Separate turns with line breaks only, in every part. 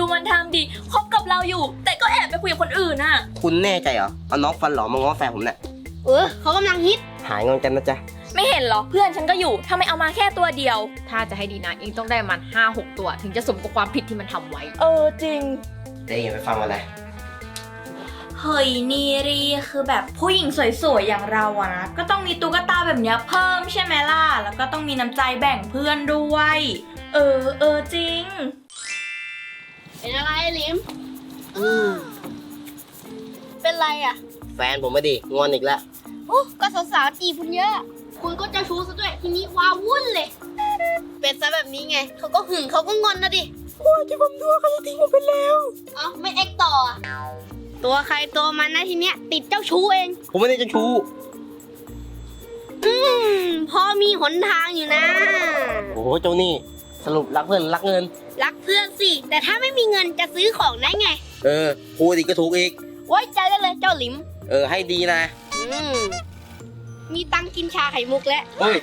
มันทำดิคบกับเราอยู่ แต่ก็แอบไปคุยกับคนอื่นน่ะ
คุณแน่ใจเหรอเอาน้องฟันหล่อมาง้อแฟนผมเนี่ย
เขากำลังฮิต
หายงอนกันนะจ๊ะ
ไม่เห็นเหรอเพื่อนฉันก็อยู่ทำไมเอามาแค่ตัวเดียว
ถ้าจะให้ดีนะอิงต้องได้มัน5-6 ตัวถึงจะสมกับความผิดที่มันทำไว้
จริง
เต้อย่าไปฟังมันเลย
เฮ้ยนีรีคือแบบผู้หญิงสวยๆอย่างเราอะนะก็ต้องมีตุ๊กตาแบบเนี้ยเพิ่มใช่ไหมล่ะแล้วก็ต้องมีน้ำใจแบ่งเพื่อนด้วยจริง
เป็นอะไรลิมเป็นไรอ่ะ
แฟนผมไม่ดีงอนอีกแล้ว
ก็สาวๆจีบคุณเยอะ คุณก็เจ้าชู้ซะด้วย ทีนี้ว้าวุ่นเลย เป็นซะแบบนี้ไง เขาก็หึงเขาก็งอนนะดิว่าที่ผมดูเขาจะทิ้งผมไปแล้ว เอ้าไม่เอ็กต่ออะตัวใครตัวมันนะทีเนี้ย ติดเจ้าชู้เอง
ผมไม่ได้จะชู้
พอมีหนทางอยู่นะ
โอ้โหเจ้านี่สรุปรักเพื่อนรักเงิน
รักเพื่อนสิ แต่ถ้าไม่มีเงินจะซื้อของได้ไง
พูดอีกก็ถูกอีก ไว้
ไว้ใจได้เลยเจ้าหลิม
ให้ดีนะ
มีตังค์กินชาไข่มุกแล้ว
เฮ้ย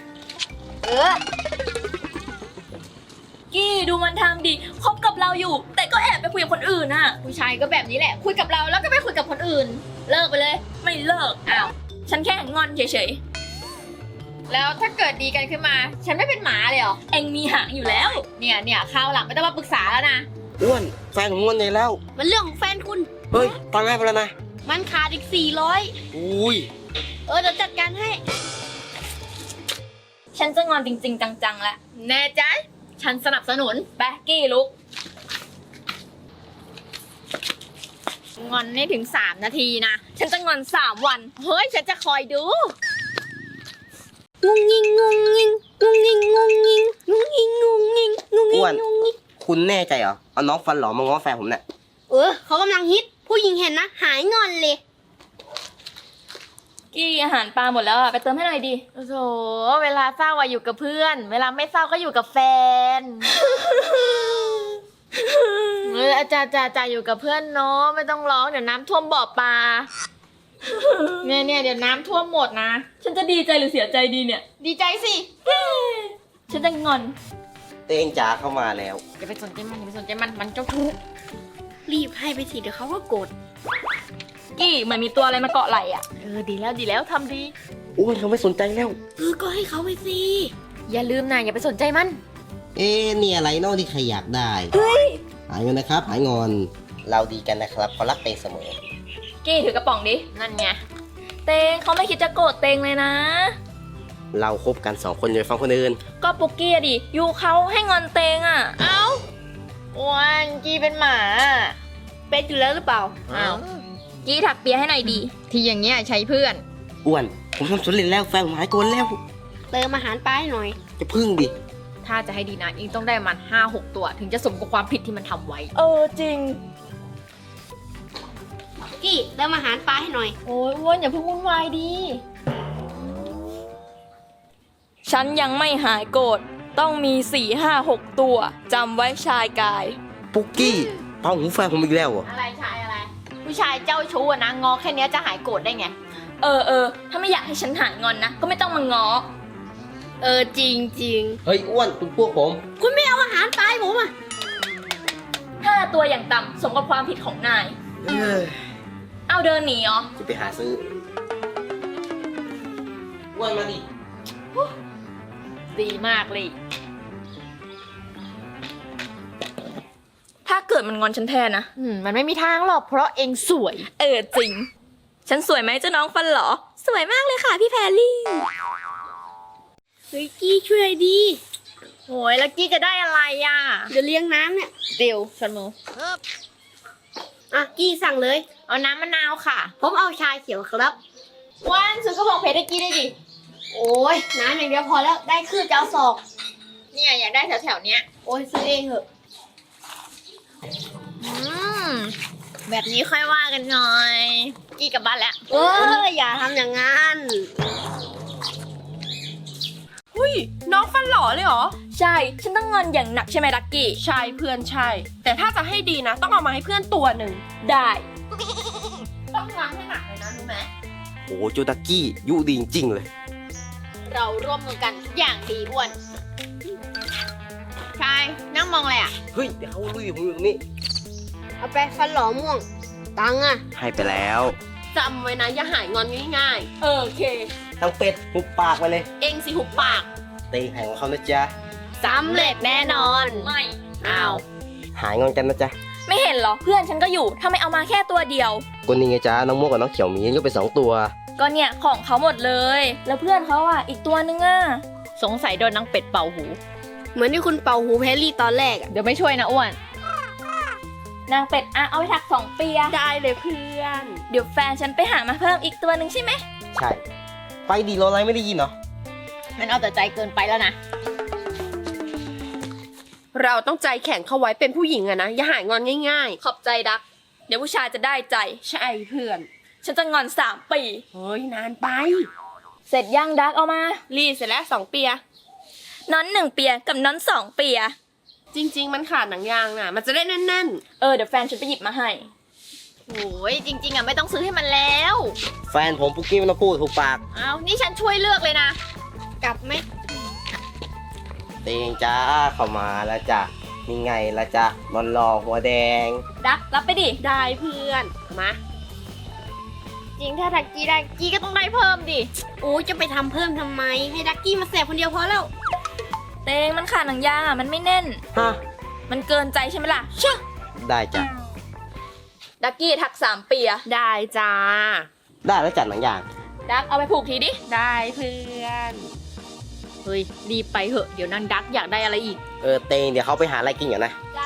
กี้ดูมันทำดิคบกับเราอยู่ แต่ก็แอบไปคุยกับคนอื่นน่ะ
ผู้ชายก็แบบนี้แหละ คุยกับเราแล้วก็ไปคุยกับคนอื่น เลิกไปเลย
ไม่เลิกอ้าวฉันแค่งอนเฉย
แล้วถ้าเกิดดีกันขึ้นมา ฉันไม่เป็นหมาเลยเหรอ
ๆเอ็งมีหางอยู่แล้ว
เนี่ยคราวหลังไม่ต้องมาปรึกษาแล้วนะ
อ้วนแฟนผมงอนใหญ่แล้ว
มันเรื่องของแฟนคุณ
เฮ้ยตังค์ให้ไปแล้วนะ
มันขาดอีก400
อุ้ย
เดี๋ยวจัดการให้
ฉันจะงอนจริงๆจังๆแล้ว
แน่ใจฉันสนับสนุน
ไปกี้ลุก
งอนให้ถึง3 นาทีนะ
ฉันจะงอน3 วัน
เฮ้ยฉันจะคอยดู
งุงงิงงุงงิงงุงงิงงุงงิงงุงงิงงุงงิงงุงงิ
อ้วน
งงุงงิง
คุณแน่ใจเหรอเอาน้องฟันหล่อมาง้อแฟนผมเนี่ย
เขากำลังฮิต ผู้หญิงเห็นนะ หายงอนเลย
กี้อาหารปลาหมดแล้วอะไปเติมให้หน่อยดิ
โอ้โหเวลาเศร้าอะอยู่กับเพื่อน เวลาไม่เศร้าก็อยู่กับแฟน จะอยู่กับเพื่อนเนาะไม่ต้องร้องเดี๋ยวน้ำท่วมบ่อปลา เนี่ยเดี๋ยวน้ำท่วมหมดนะ
ฉันจะดีใจหรือเสียใจดีเนี่ย
ดีใจสิ
ฉันจะงอน
เต้งจ๋าเข้ามาแล้ว
อย่าไปสนใจมันมันเจ้าชู้
รีบให้ไปสิเดี๋ยวเขาก็โกรธ
กี้เหมือนมีตัวอะไรมาเกาะไหล่อะ
ดีแล้วทำดี
อ้วนเขาไม่สนใจแล้ว
ก็ให้เขาไปสิ
อย่าลืมนะอย่าไปสนใจมัน
นี่อะไรเนอกที่ใครอยากได้ หายเงินนะครับ หายงอน เราดีกันนะครับเขารักเตงเสมอ
กี้ถือกระป๋องดิ
นั่นไง
เตงเขาไม่คิดจะโกรธเตงเลยนะ
เราคบกัน2 คนอย่าไปฟังคนอื่น
ก็ปุกกี้อะดิยูเขาให้งอนเตงอะ
เอ้าอ้วนกี้เป็นหมา
เป็นอยู่แล้วหรือเปล่า
อ้าว
กี้ถักเปียให้หน่อยดี
ที่อย่างเงี้ยใช้เพื่อน
อ้วน ผมทำสำเร็จแล้วแฟนผมหายโกรธแล้ว
เติมอาหารไปหน่อย
จะพึ่งดิ
ถ้าจะให้ดีนะอิงต้องได้มัน5-6 ตัวถึงจะสมกับความผิดที่มันทำไว้
จริง
กี้เติมอาหารปลาให้หน่อย
โอ้ยอ้วนอย่าเพิ่งวุ่นวายดี
ฉันยังไม่หายโกรธต้องมี4 5 6 ตัวจำไว้ชายกาย
ปุกกี้เป่าหูแฟนผมอีกแล้วเหรอ
อะไรชายอะไร ผู้ชายเจ้าชู้อะนะงอแค่เนี้ยจะหายโกรธได้ไง
ถ้าไม่อยากให้ฉันหายงอนนะ ก็ไม่ต้องมาง้อ
จริงจริง
เฮ้ยอ้วนคุณพวกผม
คุณไม่เอาอาหารปลาให้ผมอ่ะ
5 ตัวอย่างต่ำสมกับความผิดของนาย เอาเดินหนีเหรอ
จะไปหาซื้ออ้วนมาดิ
ดีมากเลย
ถ้าเกิดมันงอนฉันแทนนะ
มันไม่มีทางหรอกเพราะเองสวย
จริง ฉันสวยไหมเจ้าน้องฟันหรอ สวยมากเลยค่ะพี่แพรลี่
เฮ้ยกี้ช่วยดี
โอ้ยแล้วกี้จะได้อะไรอ่ะ
เดี๋ยวเลี้ยงน้ำเนี่ย
เดี๋ยวชนมือ
กี้สั่งเลย
เอาน้ำมะนาวค่ะ
ผมเอาชาเขียวครับ
ว่านซื้อกระบอกเพชรให้กี้ได้ดิ
โอ้ยน้ำอย่างเดียวพอแล้ว ได้คือจะเอาศอก
เนี่ยอยากได้แถวๆเนี้ย
โอ้ยซื้อเองเหอะ
แบบนี้ค่อยว่ากันหน่อย กี้กลับบ้านแล้ว
อย่าทำอย่างนั้น
น้องฟันหล่อเลยเหรอ
ใช่ ฉันต้องงอนอย่างหนักใช่ไหมดักกี้
ใช่เพื่อนใช่ แต่ถ้าจะให้ดีนะ ต้องเอามาให้เพื่อนตัวหนึ่ง
ได้
ต้องล้างให้หนักเลยนะรู้ไหม
โอ้โหโจดักกี้ยุดีจริงๆเลย
เราร่วมมือกันทุกอย่างดีอ้วนชายนั่งมองอะไรอ่ะ
เฮ้ย เดี๋ยวเขาลุยผมอยู่ตรงนี้
เอาไปฟันหล่อม่วง ตังค์อะ
ให้ไปแล้ว
จำไว้นะอย่าหายงอนง่ายๆ โอเค
ทั้งเป็ดหุบปากไปเลย
เองสิหุบปาก
เตงหายของเขานะจ๊ะ
สำเร็จแน่นอน
ไม่
อ้าว
หายงอนกันนะจ๊ะ
ไม่เห็นเหรอ เพื่อนฉันก็อยู่ทำไมเอามาแค่ตัวเดียว
คนนี้ไงจ๊ะน้องม่วงกับน้องเขียวหมียกไป2 ตัว
ก็เนี่ยของเขาหมดเลย แล้วเพื่อนเขาอ่ะอีกตัวนึงอ่ะ
สงสัยโดนนางเป็ดเป่าหู
เหมือนที่คุณเป่าหูแพรรี่ตอนแรกอะ
เดี๋ยวไม่ช่วยนะอ้วน
นางเป็ดอ่ะเอาไปถัก2 เปีย
ได้เลยเพื่อน
เดี๋ยวแฟนฉันไปหามาเพิ่มอีกตัวหนึ่งใช่ไหม
ใช่ ไปดีรออะไรไม่ได้ยินเหรอ
มันเอาแต่ใจเกินไปแล้วนะ
เราต้องใจแข็งเข้าไว้เป็นผู้หญิงอะนะ อย่าหายงอนง่าย
ขอบใจดัก เดี๋ยวผู้ชายจะได้ใจ
ๆ ใช่เพื่อน
ฉันจะงอน3 ปี
เฮ้ยนานไป
เสร็จย่างดักเอามา
รีดเสร็จแล้ว2 เปีย
น้อน1 เปียกับน้อน2 เปีย
จริง ๆ มันขาดหนังยางน่ะ มันจะได้แน่น
เดี๋ยวแฟนฉันไปหยิบมาให้
โอ้ยจริงๆอ่ะไม่ต้องซื้อให้มันแล้ว
แฟนผมปุกกี้ไม่ต้องพูดถูกปาก
เอานี่ฉันช่วยเลือกเลยนะ
กลับไหม
เตงจ้าเข้ามาแล้วจ้ะนี่ไงละจ้ะมันรอหัวแดง
ดักรับไปดิ
ๆ ได้เพื่อน มา
จริงถ้าทักกี้ได้กี้ก็ต้องได้เพิ่มดิ
โอ้ยจะไปทำเพิ่มทำไม ให้ดักกี้มาแสบคนเดียวพอแล้ว
เตงมันขาดหนังยางอ่ะมันไม่แน่น
ฮะ
มันเกินใจใช่ไหมล่ะเชอะ
ได้จ้ะ
ดักกี้ถัก3 เปีย
ได้จ้า
ได้แล้วจัดหนังอย่าง
ดักเอาไปผูกทีดิ
ได้เพื่อน
เฮ้ยรีบไปเหอะเดี๋ยวนางดักอยากได้อะไรอีก
เตงเดี๋ยวเขาไปหาอะไรกินก่อนนะ
จ้า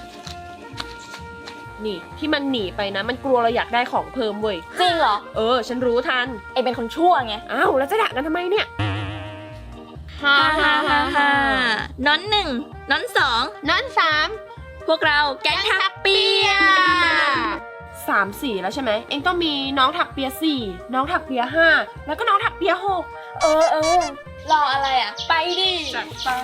นี่ที่มันหนีไปนะ มันกลัวเราอยากได้ของเพิ่มเว้ย
จริงเหรอ
ฉันรู้ทัน
ไอเป็นคนชั่วไง
อ้าวแล้วจะด่ากันทำไมเนี่ย
ฮ่าฮ่าฮ่าฮ่าน้อน1น้อน2
นั้นสาม
พวกเราแก๊งทักเปีย
3 สีแล้วใช่ไหม เองต้องมีน้องถักเปีย4น้องถักเปีย5แล้วก็น้องถักเปีย6
รออะไรอ่ะ ไปดิ
จัดไป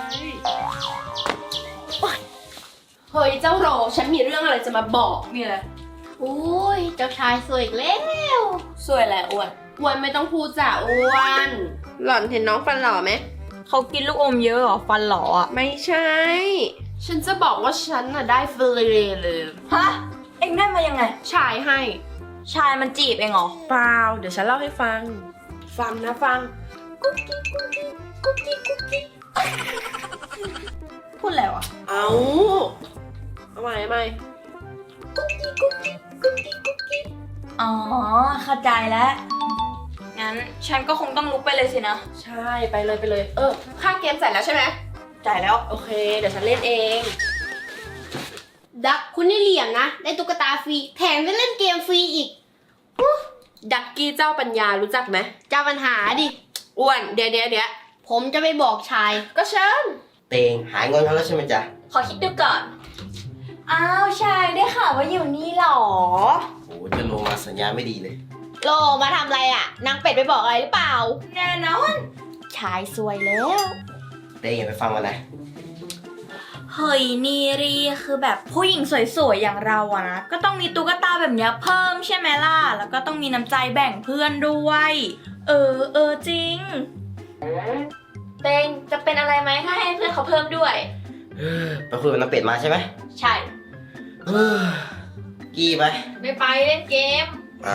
โอ๊ยเฮ้ยเจ้าโรฉันมีเรื่องอะไรจะมาบอกมีอะไร
โอ้ยเจ้าชายสวยอีกแล้ว
สวยแหละอ้วน
อ้วนไม่ต้องพูดจ้ะอ้วน หล่อนเห็นน้องฟันหล่อไหม
เขากินลูกอมเยอะเหรอ ฟันหลออ่ะ
ไม่ใช่ ฉันจะบอกว่าฉันน่ะได้เฟรเลย
ฮะ เอ็งได้มายังไง
ชายให้
ชายมันจีบเองเหรอ
เปล่า เดี๋ยวฉันเล่าให้ฟัง ฟังนะฟัง
พูดแล้วอ่ะ
เอาใหม่
อ๋อ เข้าใจแล้ว งั้นฉันก็คงต้องลุกไปเลยสินะ
ใช่ไปเลยไปเลย ค่าเกมเสร็จแล้วใช่ไหม
จ่ายแล้ว
โอเค เดี๋ยวฉันเล่นเอง
ดักคุณนี่เหลี่ยมนะ ได้ตุ๊กตาฟรี แถมได้เล่นเกมฟรีอีก
ดักกี้เจ้าปัญญารู้จักไหม
เจ้าปัญหาดิ
อ้วน เดี๋ยว
ผมจะไปบอกชาย
ก็เชิญ
เตงหายงอนเขาแล้วใช่ไหมจ๊ะ
ขอคิดดูก่อน อ้าวชายได้ข่าวว่าอยู่นี่เหรอ
โอ้จะลงมาสัญญาณไม่ดีเลย
โลมาทำอะไรอ่ะนางเป็ดไปบอกอะไรหรือเปล่า
แน่นอน ชายสวยแล้ว
เตงอย่าไปฟังมันนะ
เฮ้ยนีรีคือแบบผู้หญิงสวยๆอย่างเราอะนะ ก็ต้องมีตุ๊กตาแบบเนี้ยเพิ่มใช่ไหมล่ะ แล้วก็ต้องมีน้ำใจแบ่งเพื่อนด้วย จริง เตงจะเป็นอะไรไหมถ้าให้เพื่อนเขาเพิ่มด้วย
ไปคุยกับน้ำเป็ดมาใช่ไหม
ใช่
กี้ไป
ไม่ไปเล่นเกม
อ้าว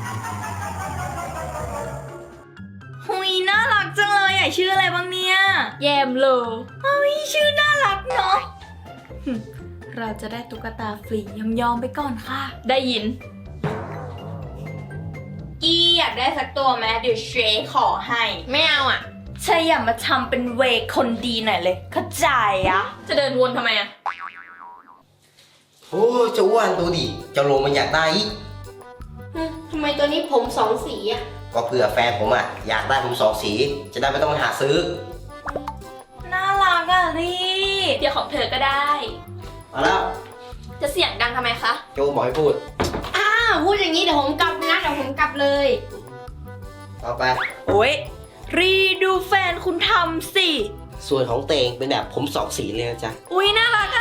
หุยน่ารักจังเลยอ่ะชื่ออะไรบ้างเนี่ย แยมโลเฮ้ยชื่อน่ารักเนาะ เราจะได้ตุ๊กตาฟรียอมๆไปก่อนค่ะ ได้ยิน กี้อยากได้สักตัวไหมเดี๋ยวเชยขอให้
ไม่เอาอ่ะ
ใช่อย่ามาทำเป็นเวคนดีหน่อยเลย เข้าใจอะจะเดินวนทำไมอะ
โอ้เจ้าอ้วนดูดิเจ้าโลมันอยากได้อีก
ทำไมตัวนี้ผมสองสีอะ
ก็เผื่อแฟนผมอยากได้ผม2 สี จะได้ไม่ต้องไปหาซื้อ
น่ารักอะรีเดี๋ยวของเธอก็ได้
มาแล้ว
จะเสียงดังทำไมคะ
โจบอกให้พูด
พูดอย่างนี้เดี๋ยวผมกลับนะเดี๋ยวผมกลับเลย
ต่อไป
โอ้ยรีดูแฟนคุณทำสิ
ส่วนของเตงเป็นแบบผม2 สีเลยนะจ๊ะ
อุ้ยน่ารักอะ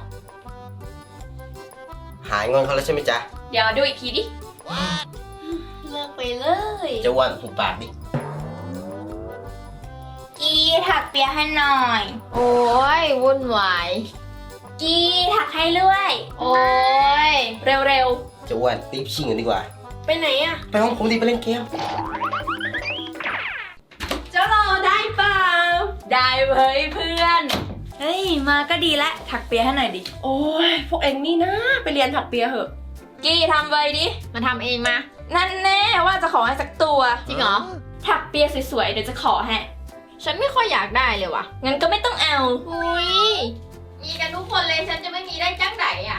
หายงอนเขาแล้วใช่ไหมจ๊ะ
เดี๋ยวดูอีกทีดิ
เลิกไปเลย
เจ้าอ้วนหุบปากดิ
กีถักเปียให้หน่อย
โอ้ยวุ่นวาย
กีถักให้เรื่อย
โอ้ย
เ
อ้วนรีบชิงกันดีกว่า
ไปไหนอะ
ไปห้องผมดีไปเล่นเกม
เจ้ารอได้เปล่า
ได้เว้ยเพื่อน เฮ้ย มาก็ดีแล้วถักเปียให้หน่อยดิ
โอ้ยพวกเองนี่นะไปเรียนถักเปียเหอะ
กี้ทำไว้ดิ
มาทำเองมา
นั่นแน่ว่าจะขอให้สักตัว
จริงเหรอ
ถักเปียสวยๆเดี๋ยวจะขอให้
ฉันไม่ค่อยอยากได้เลยว่ะ
งั้นก็ไม่ต้องเอา
อุ้ยมีกันทุกคนเลยฉันจะไม่มีได้จังไหนอ่ะ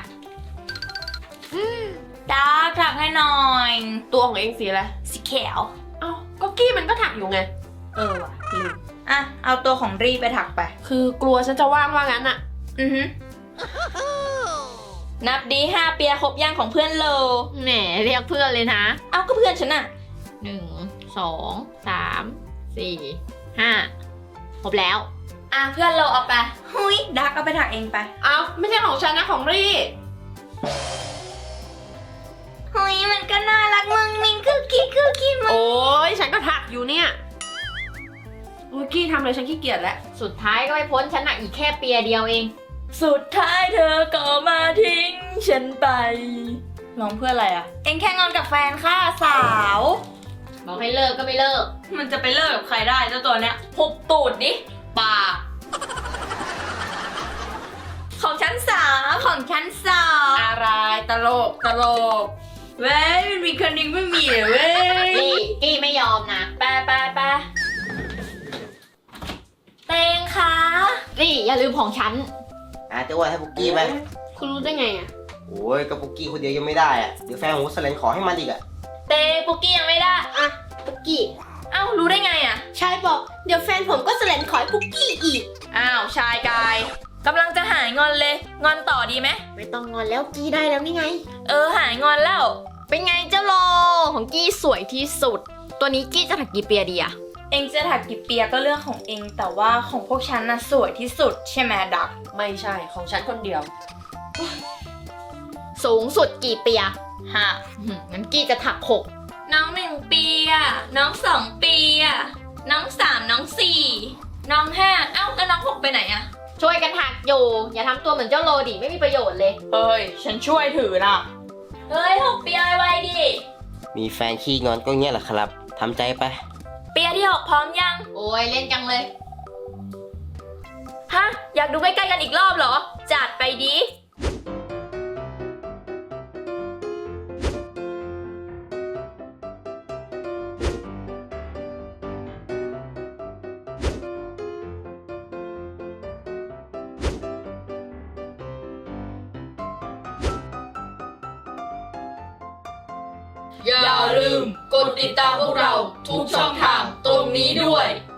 ถักให้หน่อย
ตัวของเองสีอะไร
สีเขียว
เอ้าก็กี้มันก็ถักอยู่ไง
เออว่ะลืมอ่ะ เอาตัวของรีไปถักไป
คือกลัวฉันจะว่างว่างั้นอะ
อือฮึนับดี5 เปียครบย่างของเพื่อนโล
แหมเรียกเพื่อนเลยนะ
เอาก็เพื่อนฉันน่ะ
1 2 3 4 5ครบแล้ว
อ่ะเพื่อนโลเอาไปหุยดักเอาไปถักเองไป
เอ้าไม่ใช่ของฉันนะของรี่
หุยมันก็น่ารักมึงมิงคือกี้มึง
โอ้ยฉันก็ถักอยู่เนี่ยโอ้ยกี้ทำเลยฉันขี้เกียจแล้ว
สุดท้ายก็ไม่พ้นฉันอะอีกแค่เปียเดียวเอง
สุดท้ายเธอก็มาทิ้งฉันไปร้องเพื่ออะไรอ่ะ เองแค่งอนกับแฟนค่ะสาว
บอกให้เลิกก็ไม่เลิก
มันจะไปเลิกกับใครได้เจ้าตัวเนี้ยหุบตูดดิปากของชั้นสาม
อะไรตลกตลก
เว้ยมันมีคนหนึงไม่มีเหรอเว้ย
กี้ไม่ยอมนะ
ไปเตงคะ
นี่อย่าลืมของฉัน
เจ้าอ้วนให้ปุกกี้ไหม
คุณรู้ได้ไงอะ
โอ้ยก็ปุกกี้คนเดียวยังไม่ได้อะเดี๋ยวแฟนของวุ้นแสลนขอให้มันอีกอะ
เตงปุกกี้ยังไม่ได้
อะปุกกี้
เอ้ารู้ได้ไงอ่ะ
ชายบอกเดี๋ยวแฟนผมก็แสลนขอให้ปุกกี้อีก
อ้าวชายกายกำลังจะหายงอนเลยงอนต่อดีไหม
ไม่ต้องงอนแล้วกี้ได้แล้วนี่ไง
หายงอนแล้ว
เป็นไงเจ้าโลของกี้สวยที่สุด ตัวนี้กี้จะถักกี่เปียดีอะ
เองจะถักกี่เปียก็เรื่องของเองแต่ว่าของพวกฉันน่ะสวยที่สุดใช่ไหมดัก
ไม่ใช่ของฉันคนเดียว
สูงสุดกี่เปีย
ฮะ
งั้นกี้จะถัก6
น้อง1 ปีอะน้อง2 ปีอะน้อง3น้อง4น้อง5เอ้าแล้วน้อง6ไปไหนอะ
ช่วยกันถักอยู่ อย่าทำตัวเหมือนเจ้าโลดิไม่มีประโยชน์เลย
เฮ้ยฉันช่วยถือนะเฮ้ย6 เปียไวๆดิ
มีแฟนขี้งอนก็เงี้ยแหละครับทำใจไป
เปียที่6พร้อมยัง
โอ้ยเล่นจังเลย
ฮะอยากดูใกล้ๆกันอีกรอบเหรอจัดไปดิ
อย่าลืมกดติดตามพวกเราทุกช่องทางตรงนี้ด้วย